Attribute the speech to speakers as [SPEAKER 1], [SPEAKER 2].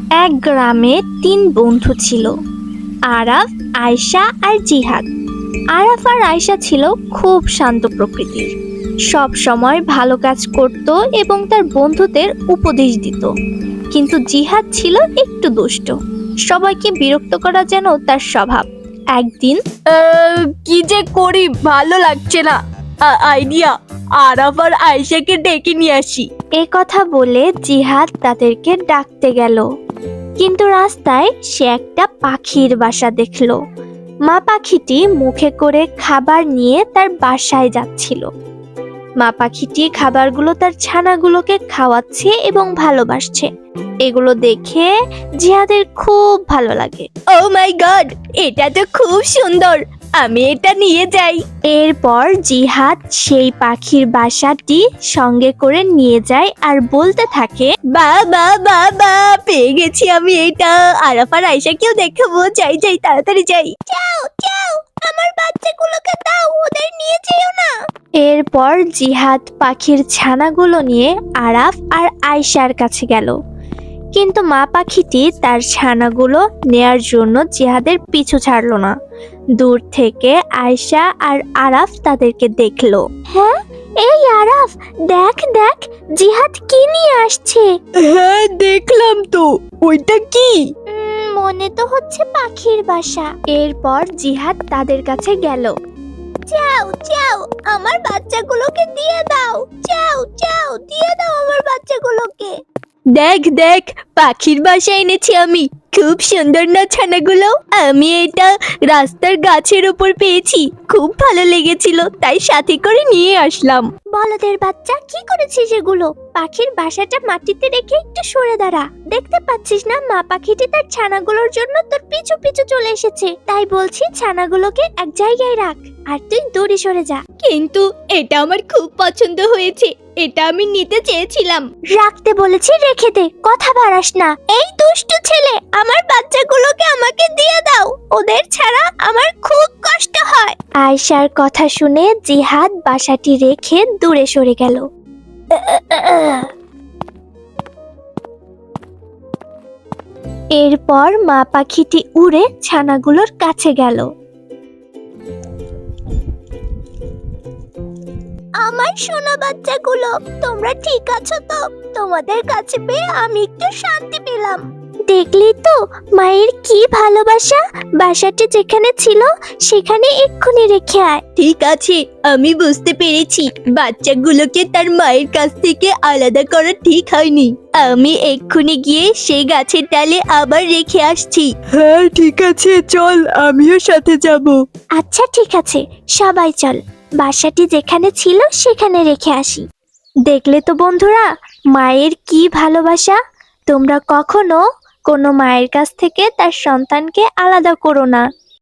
[SPEAKER 1] এক গ্রামে তিন বন্ধু ছিল, আরাফ, আয়শা আর জিহাদ। আরাফ আর আয়শা ছিল খুব শান্ত প্রকৃতির, সব সময় ভালো কাজ করত এবং তার বন্ধুদের উপদেশ দিত। কিন্তু জিহাদ ছিল একটু দুষ্ট, সবাইকে বিরক্ত করা যেন তার স্বভাব। একদিন,
[SPEAKER 2] কি যে করি ভালো লাগছে না, আইডিয়া, আরাফ আর আয়েশাকে ডেকে নিয়ে আসি।
[SPEAKER 1] এ কথা বলে জিহাদ তাদেরকে ডাকতে গেল, কিন্তু রাস্তায় সে একটা পাখির বাসা দেখল। মা পাখিটি মুখে করে খাবার নিয়ে তার বাসায় যাচ্ছিল। মা পাখিটি খাবারগুলো তার ছানাগুলোকে খাওয়াচ্ছে এবং ভালোবাসছে। এগুলো দেখে জিহাদের খুব ভালো লাগে।
[SPEAKER 2] ও মাই গড, এটা তো খুব সুন্দর, আমি এটা নিয়ে যাই।
[SPEAKER 1] এরপর জিহাদ সেই পাখির বাসাটি সঙ্গে করে নিয়ে যায় আর বলতে থাকে,
[SPEAKER 2] বাবা বাবা, পেয়ে গেছি আমি এটা। আরাফ আর আয়েশাকেও দেখাবো, যাই যাই তাড়াতাড়ি যাই। যাও যাও, আমার বাচ্চাগুলোকে দাও, ওদের নিয়ে যেও না।
[SPEAKER 1] এরপর জিহাদ পাখির ছানাগুলো নিয়ে আরাফ আর আয়শার কাছে গেল, কিন্তু মা পাখিটি তার ছানাগুলো নেয়ার জন্য জিহাদের পিছু ছাড়লো না। দূর থেকে আয়শা আর আরাফ তাদেরকে দেখলো। হ্যাঁ, এই আরাফ, দেখ দেখ জিহাদ কি নিয়ে আসছে।
[SPEAKER 2] হ্যাঁ দেখলাম তো, ওইটা কি?
[SPEAKER 1] মনে তো হচ্ছে পাখির বাসা। এরপর জিহাদ তাদের কাছে গেল।
[SPEAKER 2] যাও যাও, আমার বাচ্চাগুলোকে দিয়ে দাও। যাও যাও, দিয়ে দাও আমার বাচ্চাগুলোকে। দেখ দেখ, পাখির বাসা এনেছি আমি। খুব সুন্দর না ছানাগুলো? আমি এটা রাস্তার গাছের উপর পেয়েছি, খুব ভালো লেগেছিল, তাই সাথে করে নিয়ে আসলাম।
[SPEAKER 1] বলদের বাচ্চা, কি করেছিস এগুলো? পাখির বাসাটা মাটিতে রেখে একটু সরে দাঁড়া। দেখতে পাচ্ছিস না মা পাখিটি তার ছানাগুলোর জন্য তোর পিছু পিছু চলে এসেছে। তাই বলছি ছানাগুলোকে এক জায়গায় রাখ আর তুই দূরে সরে যা।
[SPEAKER 2] কিন্তু এটা আমার খুব পছন্দ হয়েছে, এটা আমি নিতে চেয়েছিলাম।
[SPEAKER 1] রাখতে বলেছি, রেখে দে, কথা বাড়াস না।
[SPEAKER 2] এই দুষ্টু ছেলে, আমার বাচ্চাগুলোকে আমাকে দিয়ে দাও, ওদের ছাড়া আমার খুব কষ্ট হয়।
[SPEAKER 1] আয়শার কথা শুনে জিহাদ বাসাটি রেখে দূরে সরে গেল। এরপর মা পাখিটি উড়ে ছানাগুলোর কাছে গেল।
[SPEAKER 2] আমার সোনা বাচ্চাগুলো, তোমরা ঠিক আছো তো? তোমাদের কাছে পেয়ে আমি একটু শান্তি পেলাম।
[SPEAKER 1] দেখলি তো মায়ের কি ভালোবাসা। বাসাটি যেখানে ছিল সেখানে এক্ষুনি রেখে আয়।
[SPEAKER 2] ঠিক আছে, আমি বুঝতে পেরেছি, বাচ্চাগুলোকে তার মায়ের কাছ থেকে আলাদা করা ঠিক হয়নি। আমি এক্ষুনি গিয়ে সেই গাছের ডালে আবার রেখে আসছি। হ্যাঁ ঠিক আছে, চল, আমিও সাথে যাব।
[SPEAKER 1] আচ্ছা ঠিক আছে, সবাই চল, বাসাটি যেখানে ছিল সেখানে রেখে আসি। দেখলে তো বন্ধুরা, মায়ের কি ভালোবাসা। তোমরা কখনো কোনো মায়ের কাছ থেকে তার সন্তানকে আলাদা করো না।